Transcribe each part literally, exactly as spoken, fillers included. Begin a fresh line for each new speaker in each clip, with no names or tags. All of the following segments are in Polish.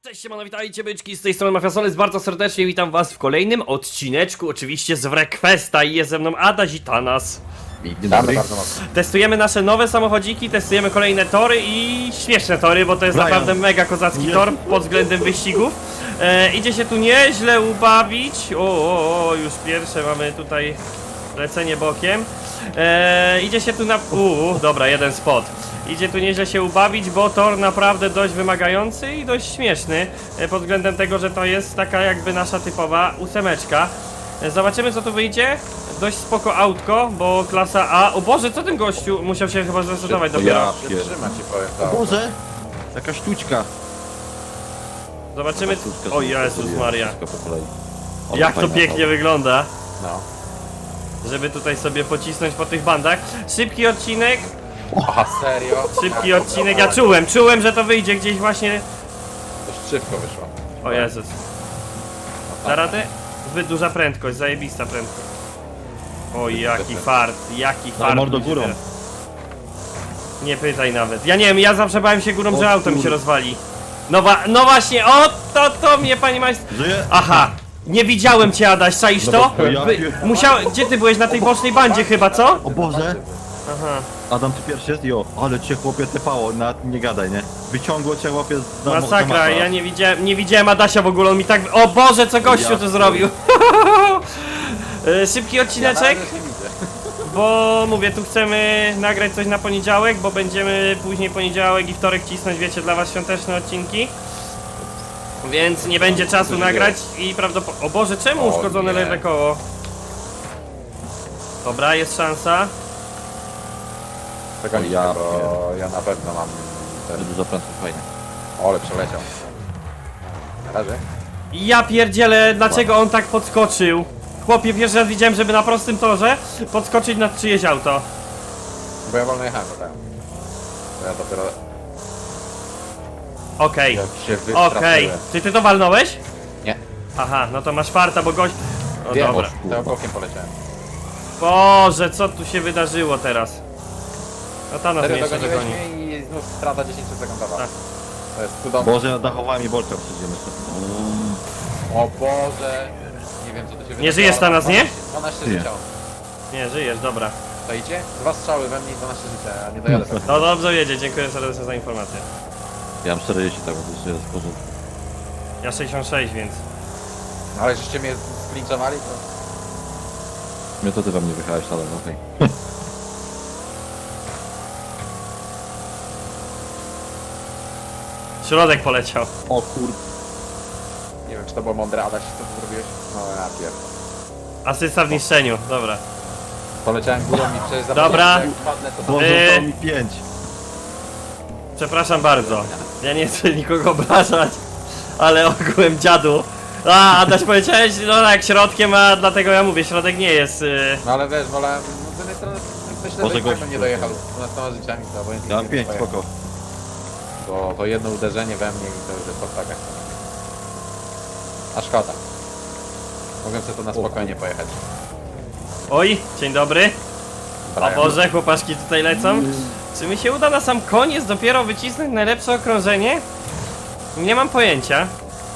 Cześć, siemano, witajcie byczki, z tej strony Mafiasoles, bardzo serdecznie witam was w kolejnym odcineczku, oczywiście z Wrequesta i jest ze mną Adaś i Tanas.
Witamy bardzo mocno.
Testujemy nasze nowe samochodziki, testujemy kolejne tory i śmieszne tory, bo to jest
Brian.
naprawdę mega kozacki tor pod względem wyścigów. E, idzie się tu nieźle ubawić, o, o, o, już pierwsze mamy tutaj lecenie bokiem. E, idzie się tu na... Uuu, dobra, jeden spot. Idzie tu nieźle się ubawić, bo tor naprawdę dość wymagający i dość śmieszny e, pod względem tego, że to jest taka jakby nasza typowa ósemeczka. E, zobaczymy co tu wyjdzie. Dość spoko autko, bo klasa A... O Boże, co ten gościu musiał się chyba zresetować dopiero.
Ja trzyma ci powiem tak.
O Boże! Jaka sztuczka!
Zobaczymy... O Jezus Maria.
Wszystko po kolei. O,
Jak to
fajna
pięknie
auto.
wygląda.
No.
Żeby tutaj sobie pocisnąć po tych bandach. Szybki odcinek.
Aha, serio?
Szybki odcinek. Ja czułem, czułem, że to wyjdzie gdzieś właśnie...
To szybko wyszło.
O Jezus. Da radę? Zbyt duża prędkość, zajebista prędkość. O jaki fart, jaki fart.
mordo
będzie
górą.
teraz. Nie pytaj nawet. Ja nie wiem, ja zawsze bałem się górą,
O
że auto mi się
kurde.
rozwali. No, wa no właśnie, o to to mnie pani majster...
Żyje?
Aha! Nie widziałem cię, Adaś, czaisz to?
bo ja
Wy,
pier-
musiał... Gdzie ty byłeś? Na tej bocznej bandzie chyba, co?
O Boże!
Aha.
Adam, ty pierwszy jest? Jo, ale cię chłopie tepało, nawet nie gadaj, nie? Wyciągło cię chłopie z za- za
Masakra,
mapa.
ja nie widziałem, nie widziałem Adasia w ogóle, on mi tak... O Boże, co gościu
Ja
tu zrobił? E, Szybki odcineczek,
Ja nie widzę.
bo mówię, tu chcemy nagrać coś na poniedziałek, bo będziemy później poniedziałek i wtorek cisnąć, wiecie, dla was świąteczne odcinki. Więc nie będzie czasu nagrać i prawdopodobnie... O Boże, czemu
O
uszkodzone
nie.
lewe koło? Dobra, jest szansa.
Czekaj,
Ja
bo ja na pewno mam
Ale
ten...
dużo prędko, fajnie.
Ole, przeleciał. Na razie?
Ja pierdzielę, dlaczego on tak podskoczył? Chłopie, pierwszy raz widziałem, żeby na prostym torze podskoczyć na czyjeś auto.
Bo ja wolno jechałem, tak. To ja dopiero...
Okej,
Jak się
okej.
wystraszyłem.
Czy ty to walnąłeś?
Nie.
Aha, no to masz farta, bo gość... O
Wiem,
dobra.
bo tym bokiem poleciałem.
Boże, co tu się wydarzyło teraz? No ta nas
Serio
jeszcze
dogoniłeś
dogoni.
mnie i znów strata dziesięć sekundowa.
Tak.
To jest cudowne.
Boże, ja dachowałem i Bolka przyjdziemy.
O Boże. Nie wiem co to się wydarzyło.
Nie żyjesz na nas, nie?
dwanaście
Nie.
życia.
Nie, żyjesz, dobra.
To idzie? Dwa strzały we mnie i dwanaście życia, a nie dojadę pewnie.
No dobrze jedzie, dziękuję serdecznie za informację.
Ja mam czterdzieści, tak, bo to jeszcze jest w porządku.
Ja sześćdziesiąt sześć, więc...
Ale żeście mnie sklinczowali, to...
Mnie to ty we mnie wychałeś, ale no okej.
Środek poleciał.
O kur...
Nie wiem, czy to było mądre, Adaś, co ty zrobiłeś? No ja pierdolę.
Asysta w niszczeniu, dobra.
Poleciałem górą i przecież
Dobra.
zapomniałem, że jak upadnę, to...
Boże,
Eee.
zostało mi pięć.
Przepraszam bardzo. Ja nie chcę nikogo obrażać, ale ogółem dziadu. A, Adaś powiedziałeś, no tak, środkiem, a dlatego ja mówię, środek nie jest... Yy...
No ale wiesz, wolałem... No z jednej strony myślę,
Boże,
że
gościu.
gościu nie dojechał z dwunastoma życiami, to obojętnie
Ja mam
nie
pięć,
pojechał.
spoko.
Bo to jedno uderzenie we mnie i to już jest podpaka. A szkoda. Mogłem sobie to na spokojnie pojechać.
Oj, dzień dobry. O
Brian.
Boże, chłopaszki tutaj lecą. Czy mi się uda na sam koniec dopiero wycisnąć najlepsze okrążenie? Nie mam pojęcia.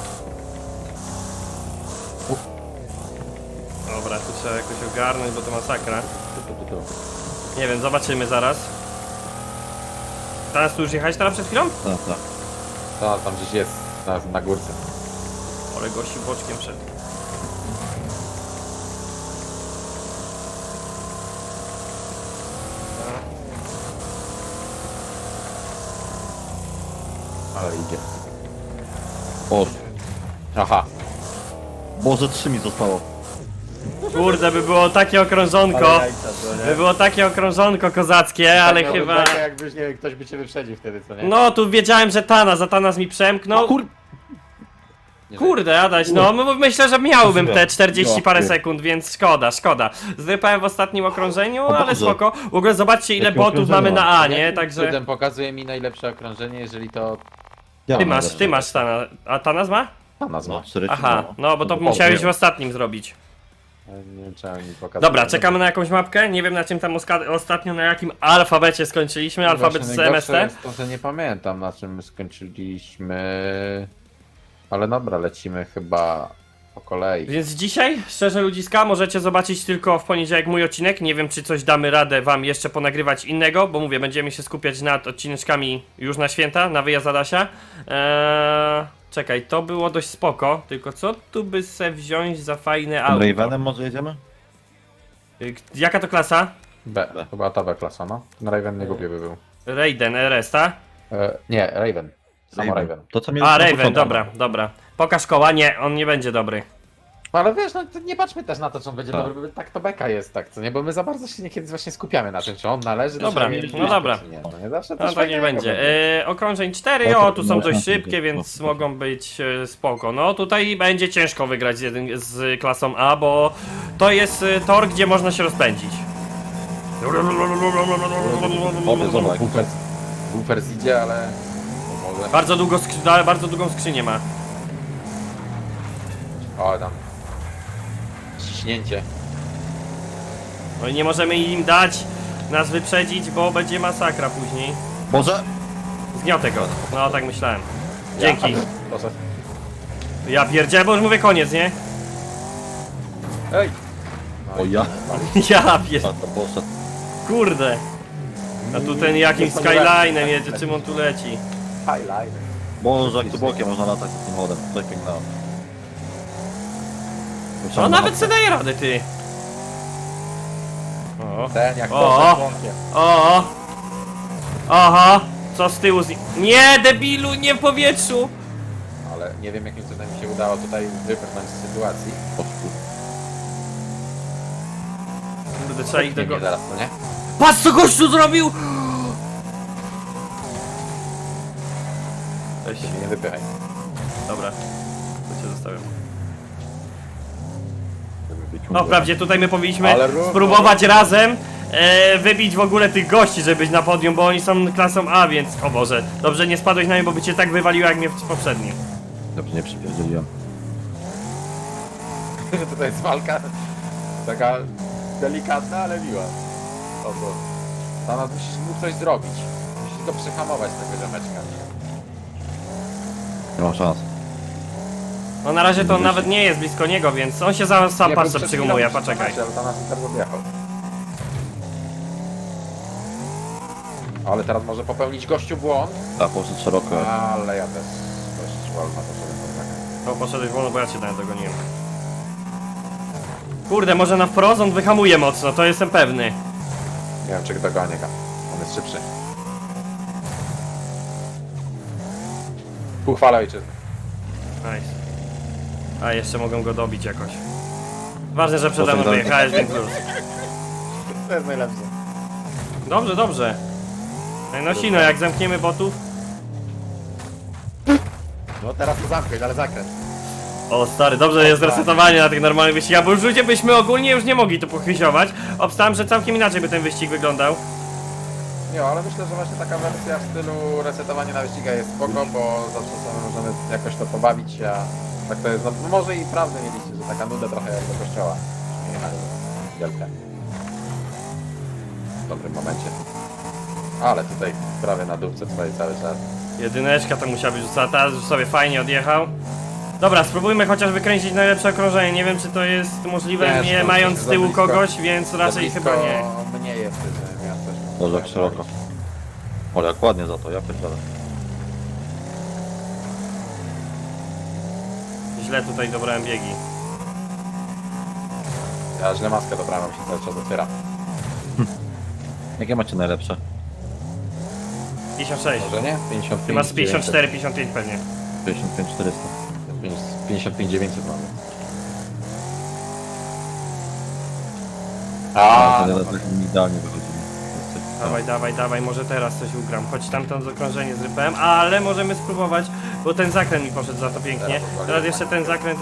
Dobra, tu trzeba jakoś ogarnąć, bo to masakra. Nie wiem, zobaczymy zaraz. Teraz tu już jechałeś teraz przed chwilą?
Tak, tak.
To tam gdzieś jest, na, na górce.
Ale gościu boczkiem przed.
Ale idzie.
O,
Aha.
Boże, trzy mi zostało.
Kurde, by było takie okrążonko. By było takie okrążonko kozackie, ale
Tak
chyba...
miałby bekę, jakbyś, nie wiem, ktoś by cię wyprzedził wtedy, co nie?
No, tu wiedziałem, że Tanas, za Tanas mi przemknął.
Kur...
Nie
Kurde, Adaś, no m- myślę, że miałbym te czterdzieści
Ja
parę
pier-
sekund, więc szkoda, szkoda. Zrypałem w ostatnim okrążeniu,
O
ale
Boże.
spoko. W ogóle zobaczcie ile
Jakie
botów
okrążenie
mamy na
mam?
A, nie?
Jakim
Także...
cudem pokazuje mi najlepsze okrążenie, jeżeli to
Ja
Ty
mam
masz,
najlepsze.
ty masz Tanas. A Tanas ma?
ta nazwa.
No, cztery
Aha, no bo to
O,
musiałeś w
nie.
ostatnim zrobić.
Nie wiem, czemu mi pokazuje.
Dobra, czekamy na jakąś mapkę. Nie wiem na czym tam oska- ostatnio, na jakim alfabecie skończyliśmy. Alfabet
Właśnie
z M S
najgorsze
T.
jest to, że nie pamiętam na czym my skończyliśmy. Ale dobra, lecimy chyba po kolei.
Więc dzisiaj, szczerze ludziska, możecie zobaczyć tylko w poniedziałek mój odcinek. Nie wiem, czy coś damy radę wam jeszcze ponagrywać innego, bo mówię, będziemy się skupiać nad odcineczkami już na święta, na wyjazd Adasia. Eee, czekaj, to było dość spoko, tylko co tu by se wziąć za fajne auto?
Ravenem może jedziemy?
Y, Jaka to klasa?
B, chyba ta B klasa, no. Ten Raven nie głupie by był.
Raiden R S, ta?
E, nie, Raven. Samo Raven.
To co mi
A, Raven, dobra, dobra. Pokaż koła, nie, on nie będzie dobry.
No ale wiesz, no to nie patrzmy też na to, czy on będzie
Tak.
dobry, bo tak to beka jest, tak, co nie? Bo my za bardzo się niekiedy właśnie skupiamy na tym, czy on należy do
Dobra,
siebie,
no
czy
dobra.
czy nie. No nie zawsze
No
też
tak
fajnie
nie będzie.
będzie.
E, okrążeń cztery,
No to
o tu są
można
dość
sobie
szybkie,
no,
więc
no.
mogą być e, spoko. No tutaj będzie ciężko wygrać z, jedyn, z klasą A, bo to jest e, tor, gdzie można się rozpędzić.
Obie, zobacz.
Buffers, Buffers idzie, ale... no może...
Bardzo, długo skrzy- ale bardzo długą skrzynię ma.
O, tam... Ciśnięcie.
No i nie możemy im dać nas wyprzedzić, bo będzie masakra później.
Może?
Zgniotę go. No tak myślałem. Dzięki.
Ja, proszę.
Ja pierdzielę, bo już mówię koniec, nie?
Ej!
O ja?
Ja
A
pierdzielę.
to poszedł.
Kurde. A tu ten jakimś Skylinem jedzie, czym on tu leci?
Highlight.
Boże, jak tu bokiem można latać tym samochodem. Coś pięknego.
No nawet sobie daje radę, ty. O.
Ten jak
O!
to członkiem.
O! Aha! Co z tyłu z... Nie, debilu, nie w powietrzu!
Ale nie wiem jakim cudem mi się udało tutaj wybrnąć z sytuacji.
Kurde, trzeba ich
Nie,
tego...
nie, zaraz, to nie?
Patrz co gościu zrobił! Weź,
Ty mnie nie wypychaj.
dobra. To cię zostawiam. No wprawdzie tutaj my powinniśmy
Ale równo.
spróbować razem e, wybić w ogóle tych gości, żeby być na podium, bo oni są klasą A, więc... O Boże, dobrze nie spadłeś na mnie, bo by cię tak wywaliło jak mnie w poprzednim.
Dobrze, nie przypierdzieliłem.
Tutaj jest walka taka delikatna, ale miła. O to. Teraz musisz mu coś zrobić. Musisz go przyhamować tego ziomeczka.
Nie mam szans.
No na razie to on nawet nie jest blisko niego, więc on się zaraz sam
Nie, bo
patrzę
przed
przygumuje,
chwilą
poczekaj.
Ale to nas teraz odjechał. Ale teraz może popełnić gościu błąd.
Tak, poszedł szeroko.
Ale ja też dość wolno poszedłem pod zakręt.
O, poszedłeś wolno, bo ja cię nawet dogoniłem. Kurde, może na wprost on wyhamuje mocno, to jestem pewny.
Nie wiem czy dogonię go. On jest szybszy. Ku chwale ojczyzny.
Nice. A, jeszcze mogą go dobić jakoś. Ważne, że przede mną
Potem
wyjechałeś, więc plus.
To jest najlepsze.
Dobrze, dobrze. Ej, no sino, jak zamkniemy botów...
No teraz to zamknąć, ale zakręt.
O stary, dobrze jest resetowanie na tych normalnych wyścigach, bo już ludzie byśmy ogólnie już nie mogli tu pochyziować. Obstałem, że całkiem inaczej by ten wyścig wyglądał.
Nie, ale myślę, że właśnie taka wersja w stylu resetowania na wyścigach jest spoko, bo zawsze sobie możemy jakoś to pobawić się, a tak to jest, no może i prawdę mieliście, że taka nuda trochę jak do kościoła. Nie jechali wielkę. W dobrym momencie. Ale tutaj prawie na dupce stoi cały czas.
Jedyneczka to musiała być rzucona, teraz już sobie fajnie odjechał. Dobra, spróbujmy chociaż wykręcić najlepsze okrążenie. Nie wiem, czy to jest możliwe,
Ciężko,
nie mając z
za
tyłu
blisko.
kogoś, więc raczej
Za
chyba
blisko
nie.
mnie jest, że ja też...
Boże, jak szeroko. Ale jak ładnie za to, ja pierdolę.
Źle tutaj dobrałem biegi.
Ja źle maskę dobrałem, mi się cały czas otwiera.
Jakie macie najlepsze?
pięćdziesiąt sześć.
Może nie? pięćdziesiąt pięć
Ty masz pięćdziesiąt cztery, pięćdziesiąt pięć pewnie.
pięćdziesiąt pięć czterysta.
pięćdziesiąt pięć dziewięćset mamy. A,
A,
no,
to tak mi idealnie wychodzili.
Dawaj, dawaj, dawaj, może teraz coś ugram. Choć tamto okrążenie zrypałem, ale możemy spróbować, bo ten zakręt mi poszedł za to pięknie.
Teraz odwaliłem.
Teraz jeszcze ten zakręt...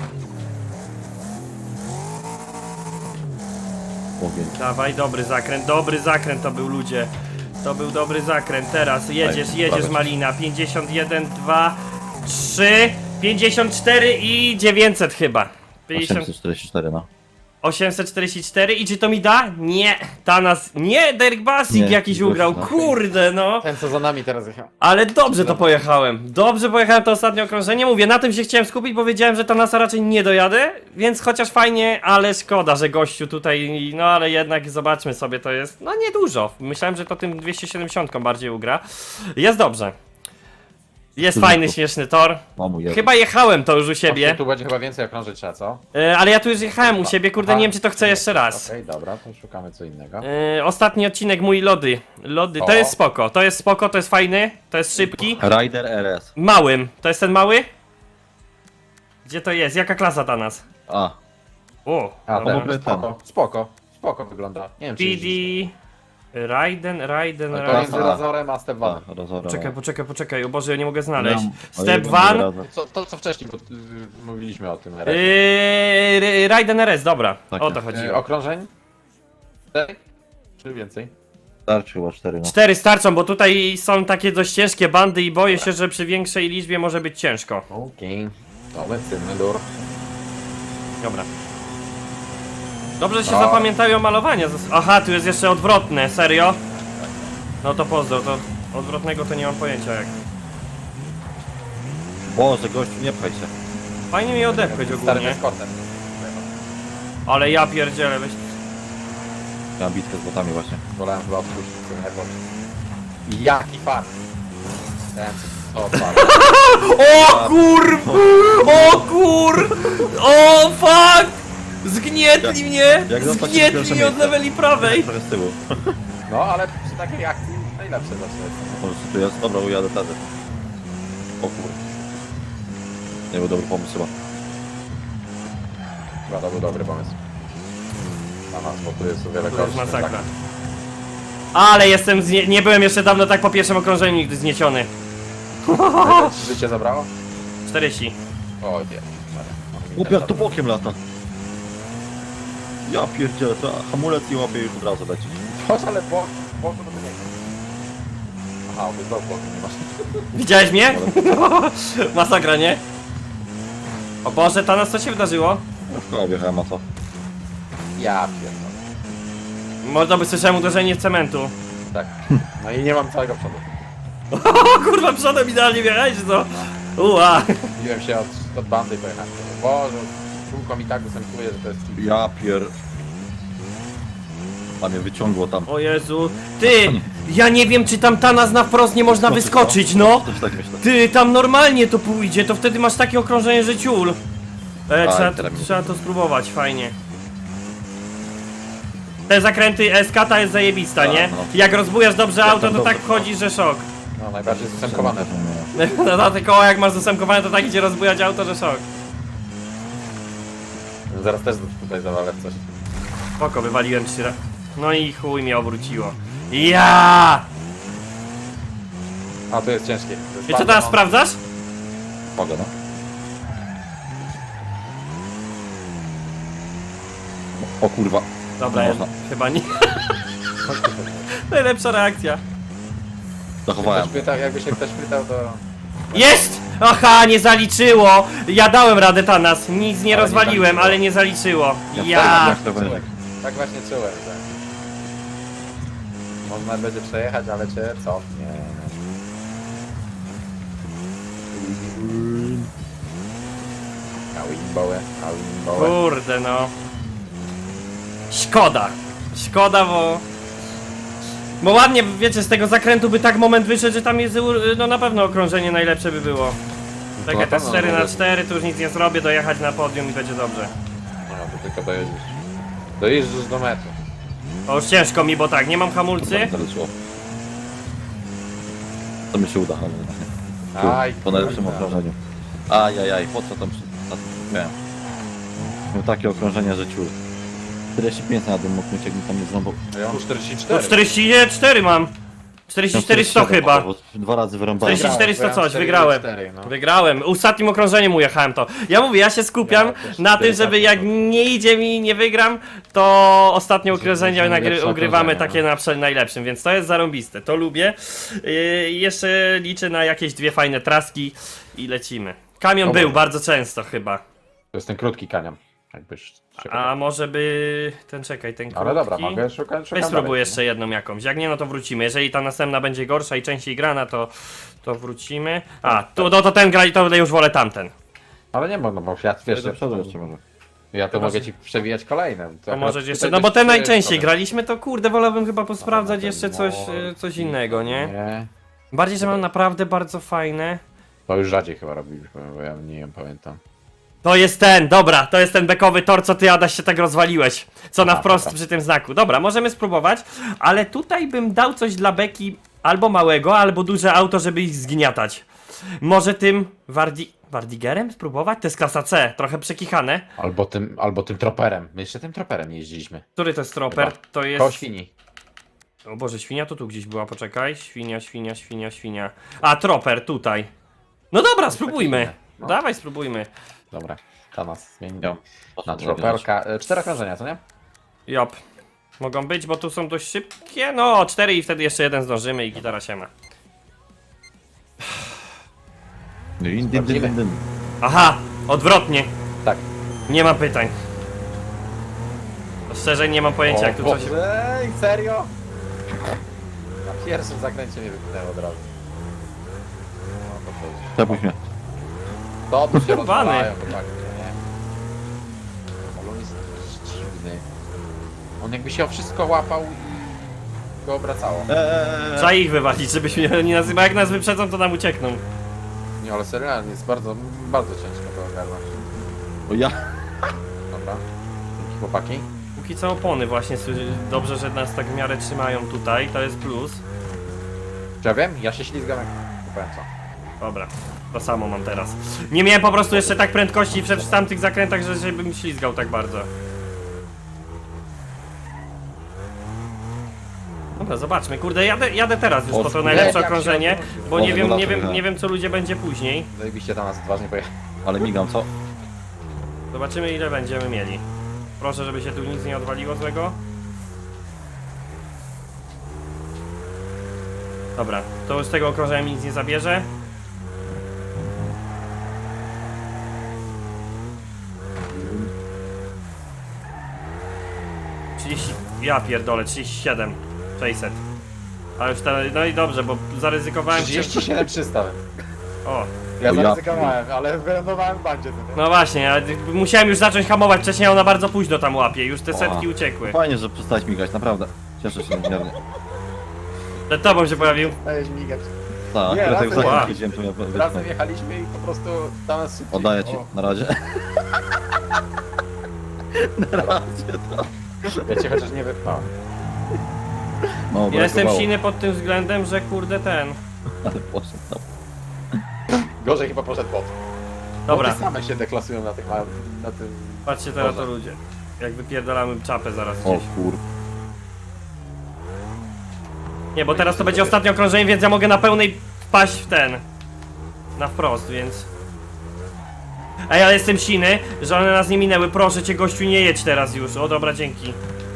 Ogień.
Dawaj, dobry zakręt, dobry zakręt to był, ludzie. To był dobry zakręt. Teraz jedziesz,
Daj,
jedziesz
prawie.
Malina. pięćdziesiąt jeden, dwa, trzy, pięćdziesiąt cztery i dziewięćset chyba. pięćdziesiąt...
osiemset czterdzieści cztery, no.
osiemset czterdzieści cztery i czy to mi da? Nie, Tanas, nie, Derek Basik
Nie,
jakiś
gość,
ugrał,
no.
kurde no.
Ten co za nami teraz jechał.
Ale dobrze to pojechałem, dobrze pojechałem to ostatnie okrążenie, mówię, na tym się chciałem skupić, bo wiedziałem, że Tanasa raczej nie dojadę, więc chociaż fajnie, ale szkoda, że gościu tutaj, no ale jednak zobaczmy sobie, to jest, no niedużo, myślałem, że to tym dwieście siedemdziesiąt bardziej ugra, jest dobrze. Jest
Dużo.
fajny, śmieszny tor.
Mamu jeden.
Chyba jechałem to już u siebie,
Tu będzie chyba więcej okrążyć trzeba, co?
e, ale ja tu już jechałem u siebie, kurde,
Aha.
nie wiem czy to chcę jeszcze raz.
Okej, dobra, to szukamy co innego.
E, ostatni odcinek mój lody, lody, to
O.
jest spoko, to jest spoko, to jest fajny, to jest szybki.
Rider R S.
Małym, to jest ten mały? Gdzie to jest? Jaka klasa ta nas?
A,
O,
A,
dobra.
ten, spoko, spoko, spoko wygląda. Nie wiem czy
P D,
jeździsz.
Raiden, Raiden,
No to
Raiden.
między Razorem a Step
a,
One.
rozora.
Poczekaj, poczekaj, poczekaj, o Boże, ja nie mogę znaleźć.
Miałem-
Step
o, jeden
One,
razy.
To, to co wcześniej bo, y, mówiliśmy o tym.
yy, Raiden R S, dobra,
Tak,
o to
tak.
Y,
chodziło.
okrążeń? Cztery? Czy więcej?
Starczy chyba cztery, no.
Cztery starczą, bo tutaj są takie dość ciężkie bandy i boję się, że przy większej liczbie może być ciężko.
Okej. To lecimy, dur.
Dobra. Dobrze, że się
No.
zapamiętają malowania. Zas- Aha, tu jest jeszcze odwrotne, serio? No to pozdro, to odwrotnego to nie mam pojęcia jak.
Boże, gościu, nie pchaj się.
Fajnie mi odepchać
Starym
ogólnie,
eskortem.
ale ja pierdzielę, weź.
Miałem bitkę z botami właśnie.
Wolałem chyba odpuścić sobie najpierw. Jaki fart! Ten co co fart.
O kur... O kur... O fuck! Zgnietli mnie!
jak zostać
Zgnietli
pierwsze
mnie od
miejsce.
leweli prawej!
Trochę z tyłu.
No ale przy takiej akcji najlepsze zawsze jest.
Po prostu tu jest. Dobra, ujadę wtedy. O kur... Nie był dobry pomysł chyba.
Chyba to był dobry pomysł. Na nas, bo tu jest o wiele
To jest
gorszy.
masakra. Ale jestem znie... Nie byłem jeszcze dawno tak po pierwszym okrążeniu nigdy zniesiony.
Tak, ci życie zabrało?
czterdzieści.
O nie.
Chłop jak tu bokiem lata. Ja pierdzielę, to hamulec i łapie już od razu leci.
Chodź, ale bok, bok to nie. Aha, ty znowu boku nie masz.
Widziałeś mnie? Masakra, nie? O Boże, Tanas, co się wydarzyło?
No w koła wjechałem, a co?
Ja pierdolę.
Można by słyszałem uderzenie w cementu.
Tak. No i nie mam całego przodu.
O kurwa, przodem idealnie wjechałeś, czy co? Ua!
Biłem się od, od bandy i pojechałem. Boże, kółko mi tak występuje, że to jest...
Ja pier... A mnie wyciągło tam.
O Jezu. Ty! Ja nie wiem, czy tam Tanas na wprost nie można
Skoczysz,
wyskoczyć, no!
Też tak myślę.
Ty, tam normalnie to pójdzie, to wtedy masz takie okrążenie, że ciul. E,
Tak,
trzeba,
teraz mi-
trzeba to spróbować, fajnie. Te zakręty S K ta jest zajebista,
Tak,
nie?
no.
Jak rozbujasz dobrze
Jak
auto,
tam
to
dobrze,
tak wchodzi, że szok.
No, najbardziej zastępowane.
No na te koła jak masz zasemkowane, to tak idzie rozbujać auto, że szok.
Zaraz też tutaj zawalę w coś.
Spoko, wywaliłem trzy razy. No i chuj mnie obróciło. Ja!
A, to jest ciężkie. To jest
I co
bardzo
teraz
mocne.
sprawdzasz?
Mogę, no. O kurwa.
Dobra,
Nie
ja,
można.
chyba nie. Najlepsza reakcja.
Ktoś
Zachowałem.
pytał, jakby się ktoś pytał, to...
Jest! Aha, nie zaliczyło! Ja dałem radę Tanas, nic nie
Ale nie
rozwaliłem,
zaliczyło.
ale nie zaliczyło.
Ja
Ja!
jak to będzie.
Tak właśnie czułem, że... Można będzie przejechać, ale cię cofnie. A wingboły, a wingboły.
Kurde no. Szkoda. Szkoda, bo... Bo ładnie, wiecie, z tego zakrętu by tak moment wyszedł, że tam jest, u- no na pewno okrążenie najlepsze by było.
To
Takie
na
te
pewno
cztery na
nawet.
cztery, to już nic nie zrobię, dojechać na podium i będzie dobrze.
No, to tylko dojedziesz. Dojeżdżasz do mety.
O, już ciężko mi, bo tak, nie mam hamulcy.
Kurwa, zaleciło. To mi się uda, ale nie. Tu,
Aj,
po najlepszym
kurwa.
okrążeniu. Ajajaj, po co tam przy... na- Miałem. Miał takie okrążenie, że ciul. czterdzieści pięć na dym mógł mieć, jakbym tam nie znowu...
Ja mam czterdzieści
No,
cztery.
czterdzieści cztery mam. czterdzieści cztery sto chyba.
Dwa razy wyrąbałem.
czterdzieści cztery sto
Wygrałem,
coś,
bo ja
wygrałem.
cztery, no.
Wygrałem. Ostatnim okrążeniem ujechałem to. Ja mówię, ja się skupiam
Ja też
na tym,
cztery
żeby
tak,
jak
no.
nie idzie mi, nie wygram, to ostatnie okrążenie
będzie
nagry-
lepsze
ugrywamy
okrążenie,
takie na prze- najlepszym, więc to jest zarąbiste, to lubię. Yy, jeszcze liczę na jakieś dwie fajne traski i lecimy. Kamion
Dobra.
był bardzo często chyba.
To jest ten krótki kanion. Jakbyś...
A może by... ten czekaj, ten krótki...
Ale dobra, mogę szukać, szukam
Weź spróbuj
dalej,
jeszcze jedną jakąś, jak nie no to wrócimy. Jeżeli ta następna będzie gorsza i częściej grana, to, to wrócimy. A, to, to, to ten gra i to już wolę tamten.
Ale nie można, bo ja wiesz,
Do przodu jeszcze może.
ja to mogę ci przewijać kolejne.
To
akurat
możesz
tutaj
jeszcze,
też
no bo te
trzy
najczęściej
sobie.
graliśmy, to kurde, wolałbym chyba posprawdzać
ten
jeszcze coś,
mor-
e, coś innego, nie?
Nie.
Bardziej, że mam naprawdę bardzo fajne.
To już rzadziej chyba robiliśmy, bo ja nie wiem, pamiętam.
To jest ten, dobra, to jest ten bekowy tor, co ty Adaś się tak rozwaliłeś. Co na
A,
wprost
dobra.
przy tym znaku. Dobra, możemy spróbować, ale tutaj bym dał coś dla beki albo małego, albo duże auto, żeby ich zgniatać. Może tym Wardi... Wardigerem spróbować? To jest klasa C, trochę przekichane.
Albo tym, albo tym troperem. My jeszcze tym troperem jeździliśmy.
Który to jest troper?
Chyba.
To jest...
Koło świni.
O Boże, świnia to tu gdzieś była, poczekaj. Świnia, świnia, świnia, świnia. A, troper, tutaj. No dobra, spróbujmy.
inne. No.
Dawaj, spróbujmy.
Dobra, to nas zmieni
Jo.
na troperka. E, Cztery okrążenia, co nie?
Jop. Mogą być, bo tu są dość szybkie. No, cztery i wtedy jeszcze jeden zdążymy i gitara się ma.
Dym, dym, dym, dym, dym.
Aha, odwrotnie.
Tak.
Nie ma pytań. Szczerze nie mam pojęcia, jak tu coś...
Boże, Ej, serio? Na pierwszym zakręcie mnie wypchnęło od razu. No to coś.
Przepuść mnie.
To tu się
Bany.
rozwalają, chłopaki, nie? Ale on jest dziwny. On jakby się o wszystko łapał i go obracało.
Eee,
Trzeba ich wywalić, żebyśmy nie nazywali. Jak nas wyprzedzą, to nam uciekną.
Nie, ale serio, jest bardzo, bardzo ciężko to ogarnąć.
o ja.
Dobra. Dzięki, chłopaki.
Póki co opony właśnie, sły- dobrze, że nas tak w miarę trzymają tutaj, to jest plus.
Czy ja wiem? Ja się ślizgam jak... Nie powiem co.
Dobra, to samo mam teraz. Nie miałem po prostu jeszcze tak prędkości przed w tamtych zakrętach, że żebym ślizgał tak bardzo. Dobra, zobaczmy, kurde, jadę, jadę teraz już
O,
po to
kurde,
najlepsze
jak się
okrążenie,
odwrócił.
bo
O,
nie wiem, nie
regulator,
wiem,
tak.
nie wiem co ludzie będzie później.
Zajebiście tam nas odważnie pojechał.
Ale migam, co?
Zobaczymy ile będziemy mieli. Proszę, żeby się tu nic nie odwaliło złego. Dobra, to już z tego okrążenia mi nic nie zabierze. trzydzieści, ja pierdolę, trzydzieści siedem sześćset. A już te, no i dobrze, bo zaryzykowałem się.
trzydzieści siedem trzysta.
O,
Ja
O, ja
zaryzykowałem, ale wylądowałem w bandzie. co nie?
no właśnie, ale musiałem już zacząć hamować wcześniej, a ona bardzo późno tam łapie, już te
O.
setki uciekły.
Fajnie, że przestałeś migać, naprawdę. Cieszę się niezmiernie.
Przed tobą się pojawił.
Dajesz migać.
Tak,
Nie,
akurat jak
razem
za
jechaliśmy.
widziałem, to mnie
Razem
wytknął.
jechaliśmy i po prostu tam nas szybciej.
Oddaję ci,
O,
na razie. Na razie to.
Ja cię chociaż nie wypchałem.
No,
Ja jestem
brakowało.
silny pod tym względem, że kurde ten.
Ale poszedł, no.
Gorzej chyba poszedł bot.
Dobra,
Boty same się deklasują na, tych, na tym...
patrzcie teraz to
Boże.
ludzie. Jak wypierdalamy czapę zaraz
O
gdzieś.
kur...
Nie, bo teraz to będzie ostatnie okrążenie, więc ja mogę na pełnej wpaść w ten. Na wprost, więc. Ej, ale jestem silny, że one nas nie minęły. Proszę cię, gościu, nie jedź teraz już. O, dobra, dzięki.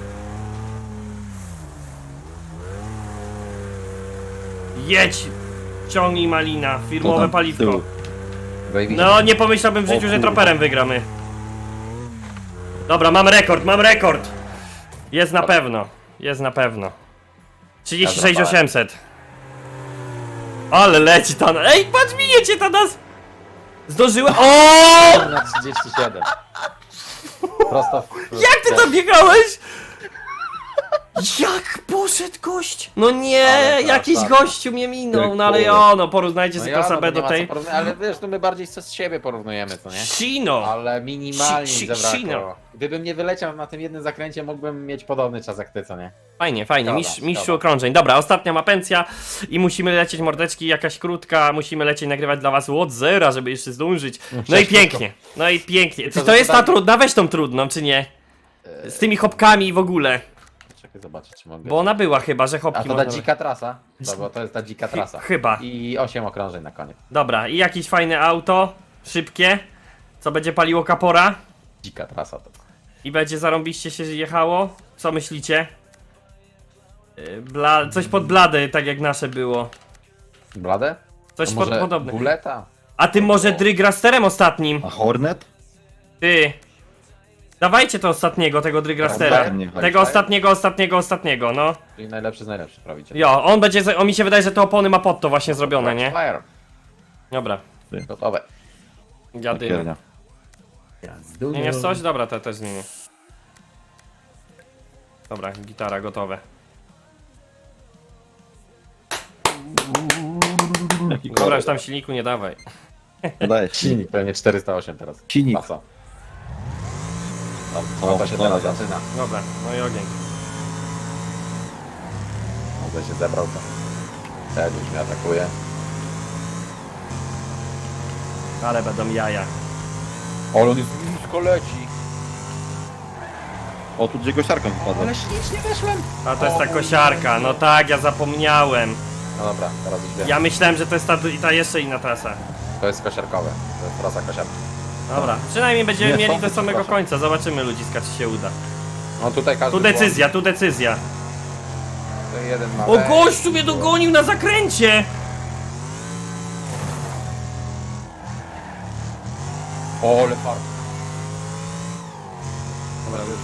Jedź! Ciągnij malina,
To
firmowe
tam z
paliwko.
tyłu.
Zajebiście.
No, nie pomyślałbym w
O
życiu, że
kurwa.
troperem wygramy. Dobra, mam rekord, mam rekord. Jest na pewno, jest na pewno. trzydzieści sześć osiemset. Ale leci ta... Ej, patrz, miniecie ta nas! Zdążyłem... O!
Na trzydzieści siedem. Prosto w...
Jak ty tam biegałeś? Jak poszedł gość? No nie,
Ale
jakiś
tak.
gościu mnie minął, no ale
Ty
o, no porównajcie
No
sobie
ja,
klasa
no,
B
nie
do
ma co
tej.
porównać, ale wiesz, to my bardziej co z siebie porównujemy, co nie?
Sino!
Ale minimalnie
Si- si-
zabrakło.
sino.
Gdybym nie wyleciał na tym jednym zakręcie, mógłbym mieć podobny czas jak ty, co nie?
Fajnie, fajnie,
Szkoda,
mistrz, mistrzu
szkoda.
okrążeń. Dobra, ostatnia mapencja i musimy lecieć mordeczki, jakaś krótka, musimy lecieć nagrywać dla was od zera, żeby jeszcze zdążyć. No i pięknie, no i pięknie. Czy
Tylko,
to
że
jest
to
ta
tak-
trudna? Weź tą trudną, czy nie? Z tymi hopkami i w ogóle.
Czekaj, zobaczę, czy mogę.
Bo ona była chyba, że
A
hopki
to ta
można...
dzika trasa? To, bo to jest ta dzika trasa.
Chyba.
I osiem okrążeń na koniec.
Dobra, i jakieś fajne auto, szybkie, co będzie paliło kapora
Dzika trasa to.
i będzie zarąbiście się jechało. Co myślicie? Yy, Bla... Coś pod blady, tak jak nasze było.
Blade?
Coś
To
pod,
może
podobne.
Buleta?
A ty może drygrasterem ostatnim?
A Hornet?
Ty. Dawajcie to ostatniego, tego Drygrastera.
Dobra,
nie chodzi.
Tego ostatniego, ostatniego, ostatniego, no.
Czyli najlepszy z najlepszych prawicie.
Jo, on będzie, za- on mi się wydaje, że te opony ma pod to właśnie zrobione, nie?
Fire.
Dobra,
Gotowe.
jadymy.
Kiernia.
Zmieniasz coś? Dobra, to też zmienię. Dobra, gitara gotowe.
Jaki
Dobra,
kolor?
już tam silniku nie dawaj.
Daję
Silnik pewnie czterysta osiem teraz.
Silnik.
Masa. No,
O,
to się
dobra.
teraz zaczyna.
Dobra, no i ogień.
Może się zebrał to. Tak, już mnie atakuje.
Ale będą jaja.
O, on jest blisko leci.
O, tu gdzie kosiarką wypadła.
Ale ślicznie weszłem.
A to jest ta
O,
kosiarka, no tak, ja zapomniałem.
No dobra, teraz już wiem.
Ja myślałem, że to jest ta, ta jeszcze inna trasa.
To jest kosiarkowe. To jest trasa kosiarki.
Dobra, przynajmniej będziemy
Nie,
mieli
są,
do samego
proszę.
końca, zobaczymy ludziska, czy się uda.
No tutaj każdy
Tu decyzja, tu decyzja.
błąd. Jeden ma
O,
wejść.
gościu mnie dogonił na zakręcie!
O, ale fart. Dobra, już.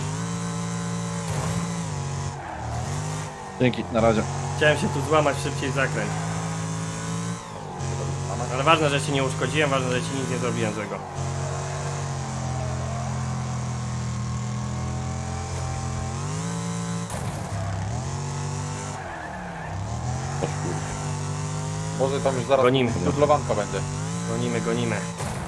Dzięki, na razie.
Chciałem się tu złamać szybciej zakręt. Ale ważne, że ci nie uszkodziłem, ważne, że ci nic nie zrobiłem złego.
O kur...
Może tam już zaraz
Gonimy.
dublowanko będzie.
Gonimy, gonimy.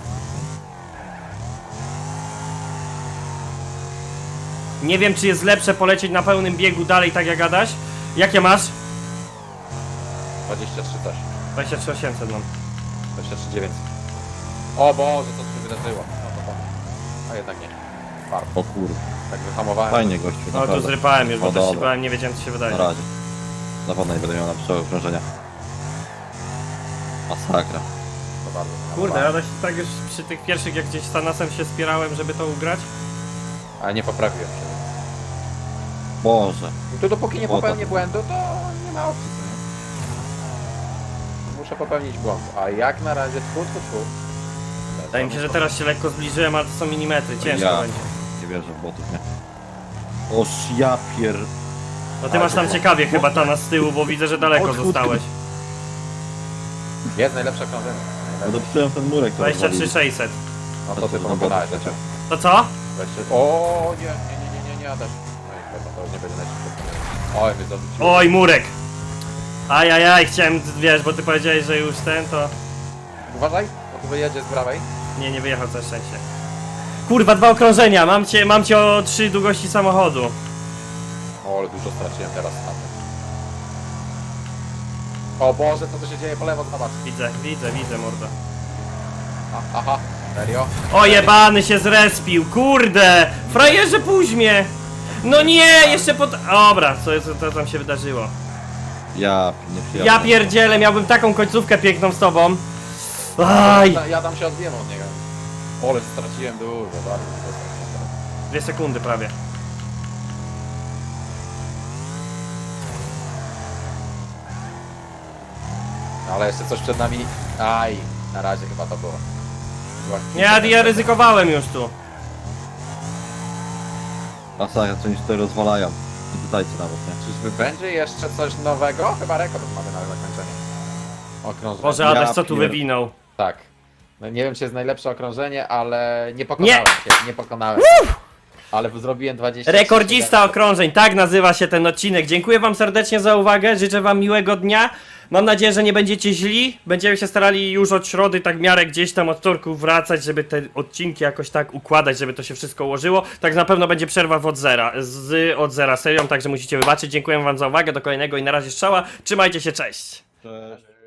Nie wiem, czy jest lepsze polecieć na pełnym biegu dalej, tak jak gadasz. Jakie masz?
dwadzieścia trzy coś.
dwadzieścia trzy osiemset mam.
dwadzieścia trzy dziewięćset. O Boże, co tu się wydarzyło? No to powiem. A jednak nie. Fart.
O kur...
Tak wyhamowałem.
Fajnie gościu,
No tu
naprawdę.
zrypałem już, bo
O,
też się
dobra.
bałem, nie wiedziałem, co się wydaje.
Na razie. Na pewno nie będę miał lepszego okrążenia. Masakra.
To bardzo
Kurde, ja też tak już przy tych pierwszych, jak gdzieś z Thanasem się spierałem, żeby to ugrać.
Ale nie poprawiłem się.
Boże.
I tu dopóki nie
O, to-
popełnię błędu, to nie ma opcji, co nie? Muszę popełnić błąd. A jak na razie tfu, tfu, tfu.
Wydaje mi się, że teraz się lekko zbliżyłem, ale to są milimetry, ciężko
Ja.
będzie.
Nie wierzę w botów, nie? Oż ja pier...
No ty masz tam ciekawie chyba Thanas z tyłu, bo widzę, że daleko
Odchód.
zostałeś.
Jest najlepsze okrążenie.
Ja
Najlepsze.
dopsułem ten murek, to
dwadzieścia trzy sześćset.
No to ty
No,
pokonałeś.
bo-
To co?
dwadzieścia O nie, nie, nie, nie, nie, nie, Adaś. No i chyba to już nie będzie najszybciej. Oj, mnie zarzuciło.
Oj, murek! Ajajaj, chciałem, wiesz, bo ty powiedziałeś, że już ten, to...
Uważaj, bo tu wyjedzie z prawej.
Nie, nie wyjechał, całe szczęście. Kurwa, dwa okrążenia, mam cię, mam cię o trzy długości samochodu.
O, ale dużo straciłem teraz na tym. O Boże, co tu się dzieje po lewo, zobacz.
Widzę, widzę, widzę, mordo.
A, aha, serio?
O, jebany się zrespił, kurde! Frajerze, puść mnie! No nie, jeszcze pod... Dobra, co, co, co tam się wydarzyło?
Ja nie przyjadę.
Ja pierdzielę, miałbym taką końcówkę piękną z tobą. Aj!
Ja, ja tam się odbiłem od niego. O, ale straciłem dużo, bardzo dużo straciłem teraz.
Dwie sekundy prawie.
No, ale jeszcze coś przed nami. Aj, na razie chyba to było. Była
Ja, ja ryzykowałem już tu.
Masakra, co oni się tutaj rozwalają. Nie pytajcie nawet, nie?
Czyżby będzie jeszcze coś nowego? Chyba rekord mamy na zakończenie. Okrążenie.
Boże,
Ja
Adaś, co tu
pier-
wywinął?
Tak. No, nie wiem, czy jest najlepsze okrążenie, ale nie pokonałem
Nie!
się, nie pokonałem. Ale zrobiłem dwadzieścia.
Rekordzista okrążeń, tak nazywa się ten odcinek. Dziękuję wam serdecznie za uwagę, życzę wam miłego dnia. Mam nadzieję, że nie będziecie źli. Będziemy się starali już od środy, tak w miarę gdzieś tam od wtorku wracać, żeby te odcinki jakoś tak układać, żeby to się wszystko ułożyło. Tak na pewno będzie przerwa w od zera, z od zera serią, także musicie wybaczyć. Dziękuję wam za uwagę, do kolejnego i na razie strzała. Trzymajcie się, cześć!
Cześć.